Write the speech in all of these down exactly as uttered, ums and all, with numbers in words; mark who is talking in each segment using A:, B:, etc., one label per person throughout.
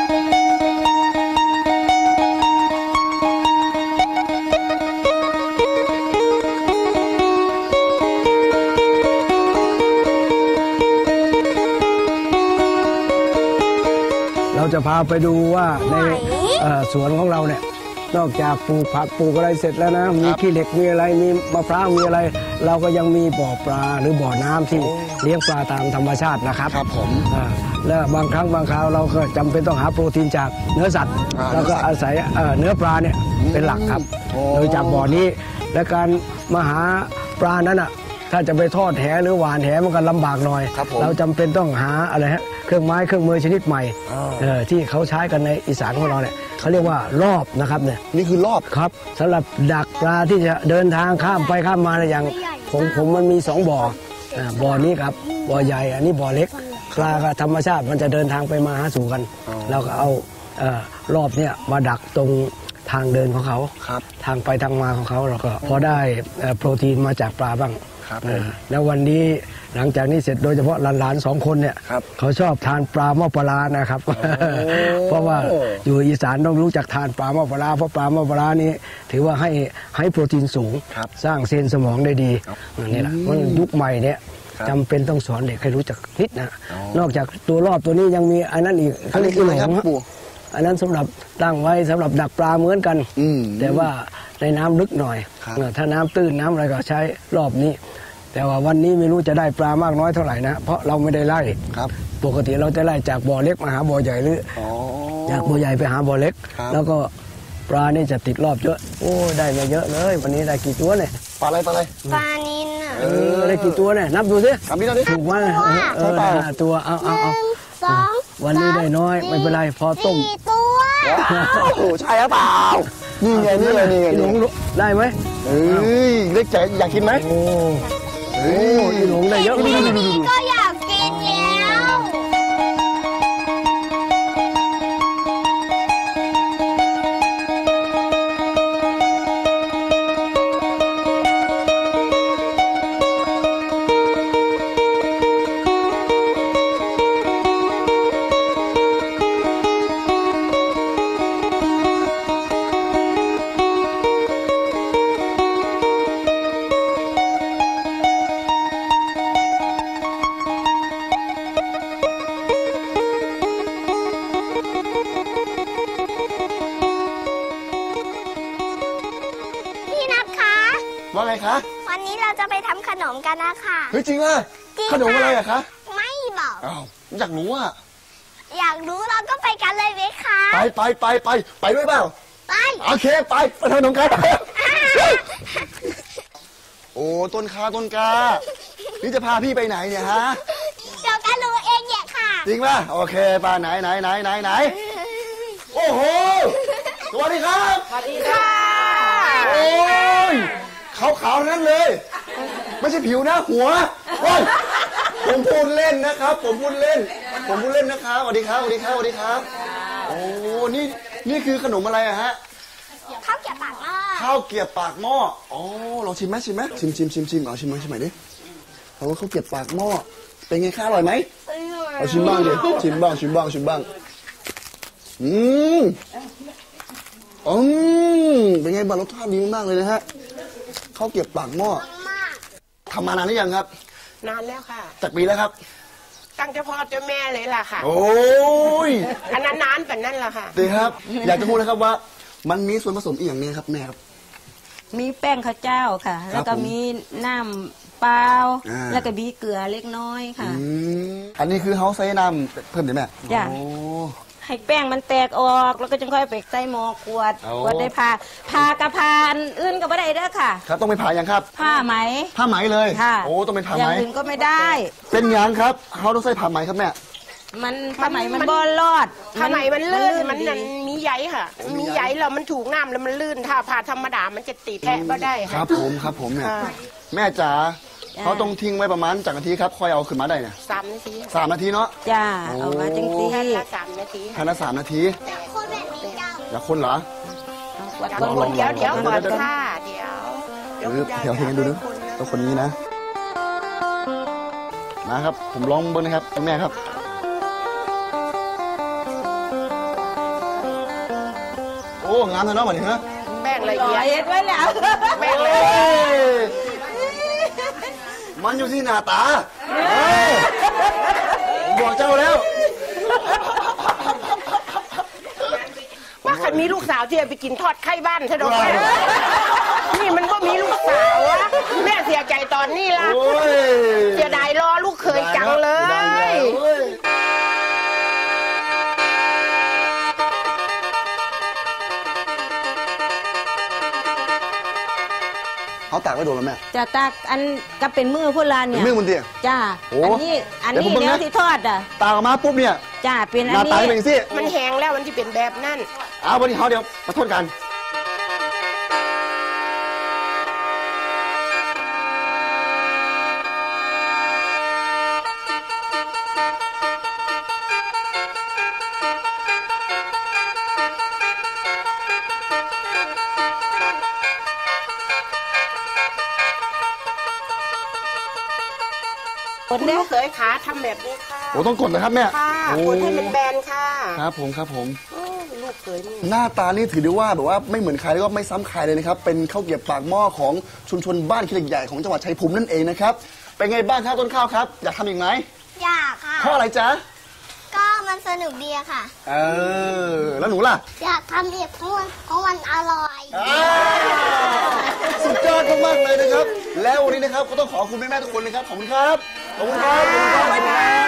A: เราจะพาไปดูว่าในสวนของเราเนี่ยนอกจากปลูกผักปลูกอะไรเสร็จแล้วนะมีขี้เหล็กมีอะไรมีมะพร้าวมีอะไร เราก็ยังมีบ่อปลาหรือบ่อน้ำที่เลี้ยงปลาตามธรรมชาตินะครับครับผมแล้วบางครั้งบางคราวเราก็จำเป็นต้องหาโปรตีนจากเนื้อสัตว์แล้วก็อาศัยเนื้อปลาเนี่ยเป็นหลักครับโดยจากบ่อนี้และการมาหาปลานั้นอ่ะถ้าจะไปทอดแหหรือหวานแหมันก็ลำบากหน่อยเราจำเป็นต้องหาอะไรฮะเครื่องไม้เครื่องมือชนิดใหม่ที่เขาใช้กันในอีสานของเราเนี่ยเขาเรียกว่ารอบนะครับเนี่ยนี่คือรอบครับสำหรับดักปลาที่จะเดินทางข้ามไปข้ามมาอย่างผมผมมันมีสองบ่อบ่อนี้ครับบ่อใหญ่อันนี้บ่อเล็กปลากับธรรมชาติมันจะเดินทางไปมาหาสู่กันเราก็เอารอบเนี่ยมาดักตรงทางเดินของเขาทางไปทางมาของเขาเราก็พอได้โปรตีนมาจากปลาบ้างแล้ววันนี้หลังจากนี้เสร็จโดยเฉพาะหลานๆสองคนเนี่ยเขาชอบทานปลาหม้อปลานะครับเพราะว่าอยู่อีสานต้องรู้จักทานปลาหม้อปลาเพราะปลาหม้อปลานี้ถือว่าให้ให้โปรตีนสูงสร้างเซลล์สมองได้ดีนี่แหละมันยุคใหม่เนี่ยจำเป็นต้องสอนเด็กให้รู้จักนิดนะนอกจากตัวรอบตัวนี้ยังมีอันนั้นอีกเขาเรียกอีหลงอันนั้นสำหรับตั้งไว้สำหรับดักปลาเหมือนกันแต่ว่าในน้ำลึกหน่อยถ้าน้ำตื้นน้ำอะไรก็ใช้รอบนี้แต่ว่าวันนี้ไม่รู้จะได้ปลามากน้อยเท่าไหร่นะเพราะเราไม่ได้ไล่ปกติเราจะไล่จากบ่อเล็กมาหาบ่อใหญ่หรือจากบ่อใหญ่ไปหาบ่อเล็กแล้วก็ปลานี่จะติดรอบเยอะโอ้ได้มาเยอะเลยวันนี้ได้กี่ตัวเนี่ยปลาอะไรปลาอะไรปลานิลเออได้กี่ตัวเนี่ยนับดูสินับดิถูกไหมเออตัวเอาเอาเอาวันนี้ได้น้อยไม่เป็นไรพอต้มตัวโอ้ใช่หรือเปล่านี่ไงนี่ไงนี่ไงหลงได้ไหมเอ้ยเล็กใจอยากกินไหมโอ้โอ้ยหลงได้เยอะก็อยากกินแล้วว่าไงคะวันนี้เราจะไปทำขนมกันนะคะเฮ้ยจริงอ่ะขนมอะไรอะคะไม่บอกอ้าวอยากรู้อ่ะอยากรู้เราก็ไปกันเลยไหมคะไปไปไปไปไปด้วยเปล่าไปโอเคไปไปทำขนมกันโอ้ต้นคาต้นกานี่จะพาพี่ไปไหนเนี่ยฮะเดี๋ยวกันรู้เองเนี่ยค่ะจริงป่ะโอเคไปไหนไหนไหนไหนไหนโอ้โหสวัสดีครับสวัสดีค่ะโอ้ยขาวๆนั่นเลยไม่ใช่ผิวนะหัวผมพูดเล่นนะครับผมพูดเล่นผมพูดเล่นนะครับสวัสดีครับสวัสดีครับสวัสดีครับโอ้นี่นี่คือขนมอะไรอะฮะข้าวเกรี๊ยวปากหม้อข้าวเกรี๊ยวปากหม้ออ๋อลองชิมไหมชิมไหมชิมชิมชิมชิมเอาชิมไหมชิมไหมดิเขาข้าวเกรี๊ยวปากหม้อเป็นไงข้าวอร่อยไหมเอาชิมบ้างดิชิมบ้างชิมบ้างชิมบ้างอืมอืมเป็นไงบ้างรสชาติดีมากเลยนะฮะข้าวเกรี๊ยวปากหม้อทำมานานหรือยังครับนานแล้วค่ะจากปีแล้วครับตั้งแต่พ่อเจ้าแม่เลยล่ะค่ะโอ้ยอันนั้นนานแบบนั้นแหละค่ะดีครับอยากจะพูดนะครับว่ามันมีส่วนผสมอีกอย่างนี้ครับแม่ครับมีแป้งข้าวเจ้าค่ะแล้วก็มีน้ำเปล่าแล้วก็มีเกลือเล็กน้อยค่ะอันนี้คือเขาใส่น้ำเพิ่มได้ไหมจ้ะให้แป้งมันแตกออกแล้วก็จึงค่อยไปใส่หม้อขวดขวดได้ผ่าผ่ากระพานอื่นก็ไม่ได้เด้อค่ะครับต้องไปผ่าอย่างครับผ้าไหมผ้าไหมเลยค่ะโอ้ต้องเป็นผ้าไหมอย่างอื่นก็ไม่ได้เป็นอย่างครับเขาต้องใส่ผ้าไหมครับแม่มันผ้าไหมมันบอลรอดผ้าไหมมันลื่นมันนั่นมีใยค่ะมีใยแล้วมันถูกน้ำแล้วมันลื่นถ้าผ่าธรรมดามันจะตีแทะก็ได้ครับผมครับผมเนี่ยแม่จ๋าเขาต้องทิ้งไว้ประมาณจากนาทีครับค่อยเอาขึ้นมาได้เนี่ยสามนาทีสามนาทีเนาะจ้าเอามาจริงๆแค่ละสามนาทีแค่ละสามนาทีคนแบบนี้เจ้าอยากคนเหรอคนเดี๋ยวเดี๋ยวก่อนค่ะเดี๋ยวเดี๋ยวเดี๋ยวให้ดูนะตัวคนนี้นะนะครับผมลองเบิ้งนะครับแม่ครับ
B: อ้งามเลยเนาะเหมือนเนาะ
C: แป้งละเอียด
D: เย็ดไว้แล้ว
C: แป้งละเอียด
B: มันอยู่ที่หน้าตาบอกเจ้าแล้ว
C: ว่าใครมีลูกสาวที่จะไปกินทอดไข่บ้านใช่ไหมนี่มันก็มีลูกสาววะแม่เสียใจตอนนี้ละเสียดายรอลูกเคยจังเลย
B: เขาตากไว้โดนแล้วแม่
D: จะตากอันก็เป็นมือพวกเราเนี่ย
B: มือมันเดีย
D: จ้าอันนี้อันนี้เดี๋ยวที่ทอดอ่ะ
B: ตากออกมาปุ๊บเนี่ย
D: จ้าเป็นอันนี้
B: ตากเป็นสิ
C: มันแห้งแล้วมันจะเป็นแบบนั้น
B: เอาวันนี้เขาเดี๋ยวมาทอดกัน
C: คุณลูกเคยขาทำแบบนี้ค่ะ
B: โอ้ต้องกดเลยครับแม่
C: ค่ะกดให้มันแบนค่ะ
B: ครับผมครับผม
C: ลูกเคยนี่
B: หน้าตานี่ถือได้ว่าแบบว่าไม่เหมือนใครแล้วก็ไม่ซ้ำใครเลยนะครับเป็นข้าวเกรี๊ยวปากหม้อของชุมชนบ้านขี้เหล็กใหญ่ของจังหวัดชัยภูมินั่นเองนะครับเป็นไงบ้างครับต้นข้าวครับอยากทำอีกไหม
E: อยากค่ะ
B: เพราะอะไรจ๊ะ
E: ก็มันสนุกดีค่ะ
B: เออแล้วหนูล่ะ
E: อยากทำอีกเพราะมันเพราะมันอร่อย
B: สุดยอดมากๆเลยนะครับแล้ววันนี้นะครับก็ต้องขอบคุณแม่ๆทุกคนนะครับขอบคุณครับขอบคุณครับขอบคุณครับ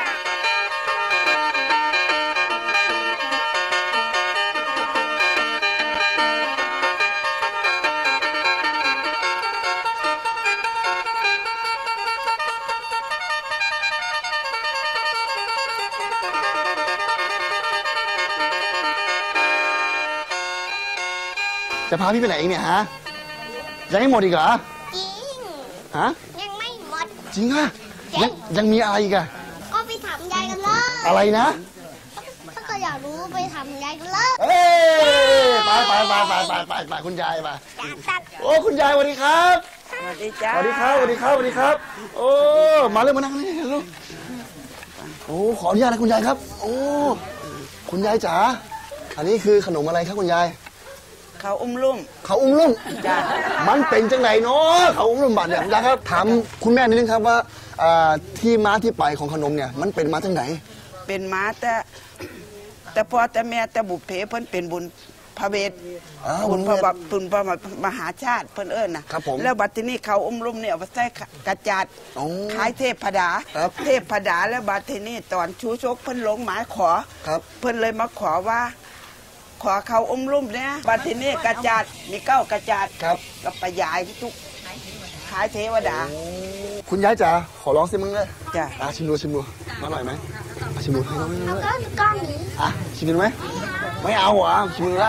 B: จะพาพี่ไปไหนอีกเนี่ยฮะยังไม่หมดอีกเหรอ
E: จริง
B: ฮะ
E: ยังไม่หมด
B: จริงอะยังยังมีอะไรอีกอะ
E: ก็ไปถามยายกันเลย
B: อะไรนะ
E: ถ้าเกิดอยากรู้ไปถามยายกันเลย
B: เอ้ไปไปไปไปไปไปไปคุณยายมาโอ้คุณยายสวัสดีครับ
D: สวัสดีจ้า
B: สวัสดีครับสวัสดีครับสวัสดีครับโอ้มาเลยมานั่งนี่ลูกโอ้ขออนุญาตนะคุณยายครับโอ้คุณยายจ๋าอันนี้คือขนมอะไรครับคุณยาย
D: เขาอุ้มลุ่ม
B: เขาอุ้มลุ่มจ้ามันเป็นจังไหนเนาะเขาอุ้มลุ่มบัตรเนี่ยยายครับถามคุณแม่นิดนึงครับว่าที่มาที่ไปของขนมเนี่ยมันเป็นมาจังไหน
D: เป็นมาแต่แต่พ่อแต่แม่แต่บุพเพเพิ่นเป็นบุญพระเวทบุญพระบบุญพระมหาชาติเพิ่นเอิญนะครับผมแล้วบัดที่นี่เขาอุ้มลุ่มเนี่ยเอาใส่กระจาดขายเทพพดาเทพพดาแล้วบัดที่นี่ตอนชูชกเพิ่นลงหมายขอเพิ่นเลยมาขอว่าขอเขาอุ้มลุ่มเนี่ยบัดทีนี้กระจาดมีเก้ากระจาด
B: ครับ
D: กับปยายทุกขายเทวดา
B: คุณยายจ๋าขอร้องสิมึงเลย
D: จ้ะ
B: อ่ะชิมดูชิมดูอร่อยไหมชิมดูให้น้อง
E: แล้วก็ก้อนนี้
B: อ่ะชิมดูไหมไม่เอาเหรอชิมดูได้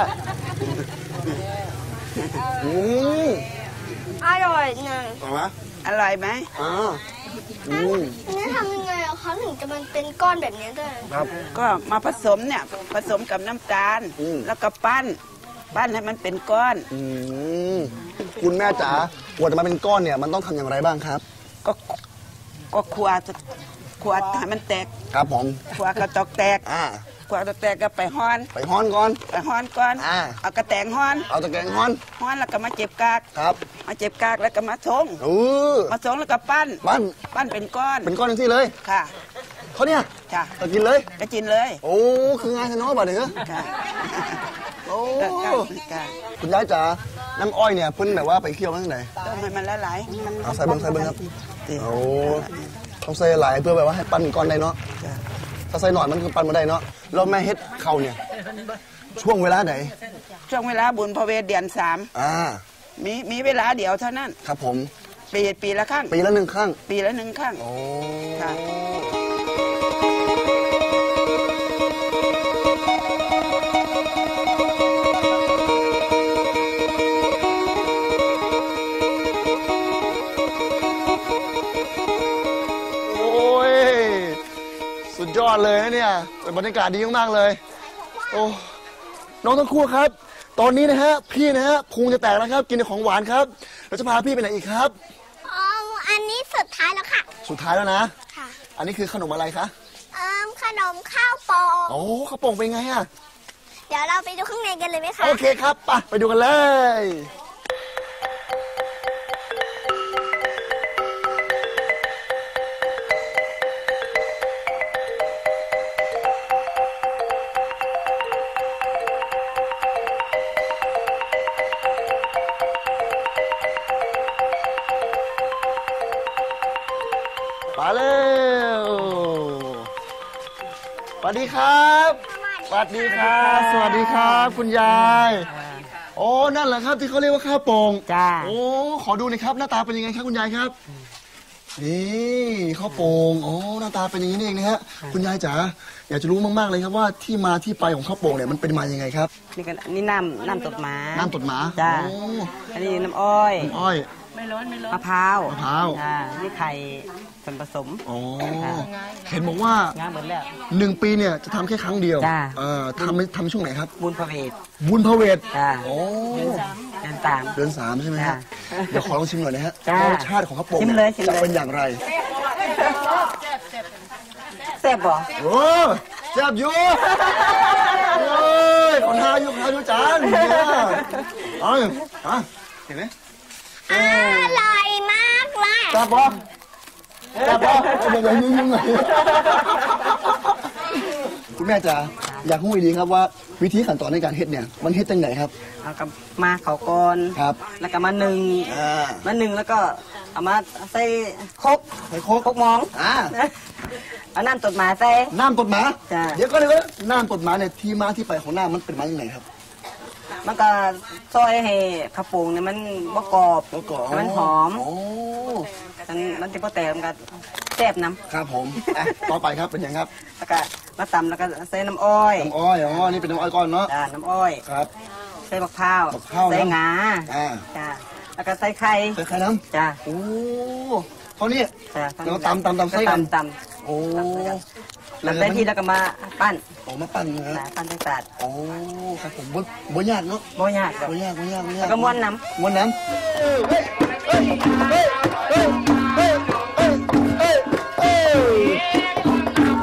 B: อืม
E: อร่อยไง
B: อร่อยไหม
D: อร่อยไหม
B: อ่า
E: นี่ทำยังไงอะคะถึงจะมันเป็นก้อนแบบนี้ได้
B: ครับ
D: ก็มาผสมเนี่ยผสมกับน้ำตาลแล้วก็ปั้นปั้นให้มันเป็นก้อน
B: คุณแม่จ๋ากว่าจะมาเป็นก้อนเนี่ยมันต้องทำอย่างไรบ้างครับ
D: ก็ก็ขวดขวดให้มันแตก
B: ครับผม
D: ขวดกระจกแตก
B: อ่า
D: ขวดกระแตกก็ไปฮ้อน
B: ไปฮ้อนก่อน
D: ไปฮ้อนก่อน
B: อ่า
D: เอากระแตงฮ้อน
B: เอาตะแกรงฮ้อน
D: ฮ้อนแล้วก็มาเจ็บกาก
B: ครับ
D: มาเจ็บกากแล้วก็มาชง
B: เออ
D: มาชงแล้วก็ปั้น
B: ปั้น
D: ปั้นเป็นก้อน
B: เป็นก้อนอย่างที่เลย
D: ค่ะ
B: เขาเนี่ย
D: ค่ะ
B: ก็กินเลย
D: ก็กินเลย
B: โอ้คืองานชะน้อยบ่เด้อ
D: ค่ะ
B: โอ้คุณยายจ๋าน้ำอ้อยเนี่ยเพิ่นแบบว่าไปเคี่ยวมาตั้งไหน
D: ต้มให้มันละลาย
B: เอาใส่เบิ้งใส่เบิ้งครับโอ้ต้องใส่หลายเพื่อแบบว่าให้ปั้นก้อนได้เนาะถ้าใส่หน่อยมันคือปั้นมาได้เนาะแล้วแม่เฮ็ดเข่าเนี่ยช่วงเวลาไหน
D: ช่วงเวลาบุญพระเวทเดือนสาม
B: อ่า
D: มีมีเวลาเดียวเท่านั้น
B: ครับผม
D: ปีปีละครั้ง
B: ปีละหนึ่งครั้ง
D: ปีละหนึ่งครั้ง
B: โอ้
D: ค่ะ
B: ยอดเลยนะเนี่ยเป็นบรรยากาศดีมากๆเลยโอ้น้องทั้งคู่ครับตอนนี้นะฮะพี่นะฮะพุงจะแตกแล้วครับกินของหวานครับเราจะพาพี่ไปไหนอีกครับ
E: อ๋ออันนี้สุดท้ายแล้วค่ะ
B: สุดท้ายแล้วนะ
E: ค่ะ
B: อันนี้คือขนมอะไรคะ
E: ขนมข้าวโป่ง
B: โอ้ข้าวโป่งเป็นไงอะ
E: เดี๋ยวเราไปดูข้างในกันเลยไหมคะ
B: โอเคครับไปไปดูกันเลยมาเร็วสวัสดีครับสวัสดีครับสวัสดีครับคุณยายโอ้นั่นแหละครับที่เขาเรียกว่าข้าวโป่ง
C: จ้า
B: โอ้ขอดูหน่อยครับหน้าตาเป็นยังไงครับคุณยายครับนี่ข้าวโป่งโอ้หน้าตาเป็นอย่างนี้นี่เองนะฮะคุณยายจ๋าอยากจะรู้มากๆเลยครับว่าที่มาที่ไปของข้าวโป่งเนี่ยมันเป็นมายังไงครับ
F: นี่ก็นี่น้ำน้ำตดหมา
B: น้ำตดหมา
F: จ้า
B: โอ้
F: อันนี้น้ำอ้อย
B: น้ำอ้อย
F: มะพร้าว
B: มะพร้าว
F: จ้านี่ไข่ส่วนผสม
B: โอ้เห็นบอกว่าง
F: านหมดแล้ว
B: หนึ่งปีเนี่ยจะทำแค่ครั้งเดียว
F: จ้า
B: เอ่อทำทำช่วงไหนครับ
F: บุญพระเวท
B: บุญพระเวท
F: จ้า
B: โอ้
F: เดือนสาม
B: เดือนสามใช่ไหมฮะ
F: จ้า
B: เดี๋ยวขอลองชิมหน่อยนะฮะ
F: จ้า
B: ว่ารสชาติของข้าวโป่ง
F: ชิม
B: เนี่
F: เลยชิมเลย
B: จะเป็นอย่างไร
F: แซ่บบ่
B: โอ้แซ่บอยู่โอ้ยขอทาอยู่ขอทาอยู่จานเนี่ยเอ้ยอ่ะเห็นไหม
E: อร่อยมากเลย
B: แซ่บปะแซ่บปะเดี๋ยวๆยุ่งๆหน่อยคุณแม่จ๋าอยากรู้ดีครับว่าวิธีขั้นตอนในการเฮ็ดเนี่ยมันเฮ็ดจังไหนครับ
F: เอากับมาเขาก่อน
B: ครับ
F: แล้วก็มาหนึ่ง
B: อ่า
F: มาหนึ่งแล้วก็เอามาใส่ครก
B: ใส่โคก
F: ครกมอง
B: อ่า
F: เอาน้ำตดหมาใส่
B: น้ำตดหมา
F: จ้ะ
B: เดี๋ยวก็เลยว่าน้ำตดหมาเนี่ยที่มาที่ไปของน้ำมันเป็นมาอย่างไรครับ
F: มันก็ซอยให้ข้าวโป่งเนี่ยมันบ่กรอบ
B: แล้วก็
F: ให้มันหอม
B: โอ้
F: มันมันจะพอแต่มันก็แซ่บน้
B: ครับผมอ่ะต่อไปครับเป็นยังครับ
F: ำแล้วก็มาตำแล้วก็ใส่น้ำอ้อย
B: น้ำอ้อยอ๋อนี่เป็นน้ำอ้อยก้อนเนาะ
F: จ้าน้ำอ้อย
B: ครับ
F: ใส่มะพร้าว
B: มะพร้าวนะ
F: ใส่งา
B: อ่า
F: จ้าแล้วก็ใส่ไข่
B: ใส่ไข่น้
F: จ้า
B: ำโอ้เท่านี้
F: จ้า
B: แล้วตำตำตำใส่กัน
F: ตำต
B: โอ้
F: ำแล้วใส่ที่แล้วก็มาปั้น
B: ออกมาปั้นนะ
F: จ้า
B: ฮะ
F: ปั้นจังสาด
B: โอ้ครับผมบ่บ่ยากเนาะ
F: บ่ยากดอก
B: บ่ยากบ่ยากบ่ยาก
F: แล้วก็ม้วนน้
B: ม้วนน้ำเฮ้ยเฮ้ยเฮ้ยเฮ้ยเฮ้ยเฮ้ยเฮ้ยเฮ้ยเฮ้ย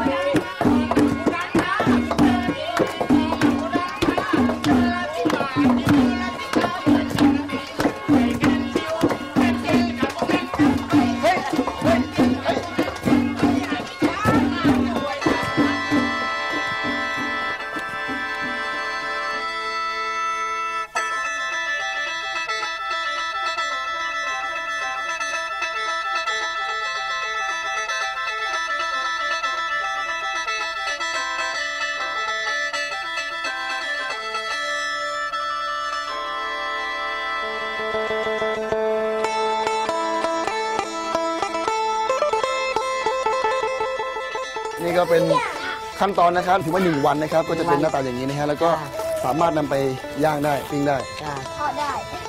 B: นี่ก็เป็นขั้นตอนนะครับถือว่าหนึ่งวันนะครับ ก็จะเป็นหน้าตาอย่างนี้นะฮะแล้วก็สามารถนำไปย่างได้ปิ้งได้
F: ำจ้า
E: ทอดได้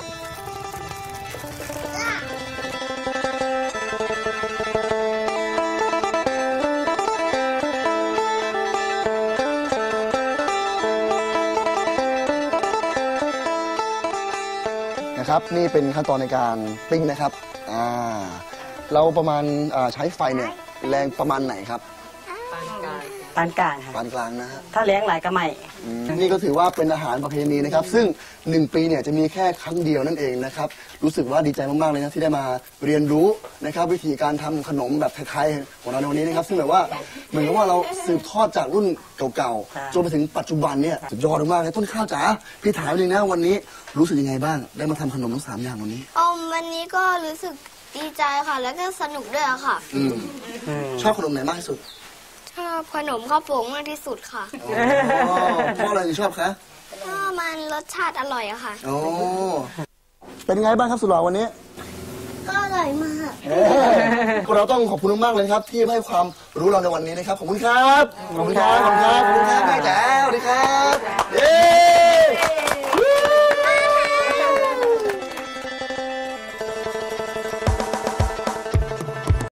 B: นะครับนี่เป็นขั้นตอนในการปิ้งนะครับอ่าเราประมาณอ่าใช้ไฟเนี่ยแรงประมาณไหนครับ
F: ปานกลางค่ะ
B: ปานกลางนะฮะ
F: ถ้าเลี้ยงหลายก็ไม่
B: อืมนี่ก็ถือว่าเป็นอาหารประเพณีนะครับ ซึ่งหนึ่งปีเนี่ยจะมีแค่ครั้งเดียวนั่นเองนะครับรู้สึกว่าดีใจมากๆเลยนะที่ได้มาเรียนรู้นะครับวิธีการทำขนมแบบไทยๆของเราในวันนี้นะครับซึ่งแบบว่าเหมือนกับว่าเราสืบทอดจากรุ่นเก่าๆจนไปถึงปัจจุบันเนี่ยสุดยอดมากเลยต้นข้าวจ๋าพี่ถามจริงนะวันนี้รู้สึกยังไงบ้างได้มาทำขนมทั้งสามอย่างวันนี้
E: อมวันนี้ก็รู้สึกดีใจค่ะ แล้วก็สนุกด้วยค่ะ
B: อืมชอบขนมไหนมากที่สุด
E: ชอบขนมข้าวโป่งมากที่สุดค่ะ
B: อ๋อเพราะอะไรถึงชอบคะ
E: เพราะมันรสชาติอร่อยอะค่ะ
B: อ๋อเป็นไงบ้างครับสุดหล่อวันนี้
E: ก็อร่อยมาก
B: เราต้องขอบคุณมากๆเลยครับที่ให้ความรู้เราในวันนี้นะครับขอบคุณครับขอบคุณครับขอบคุณครับขอบคุณครับ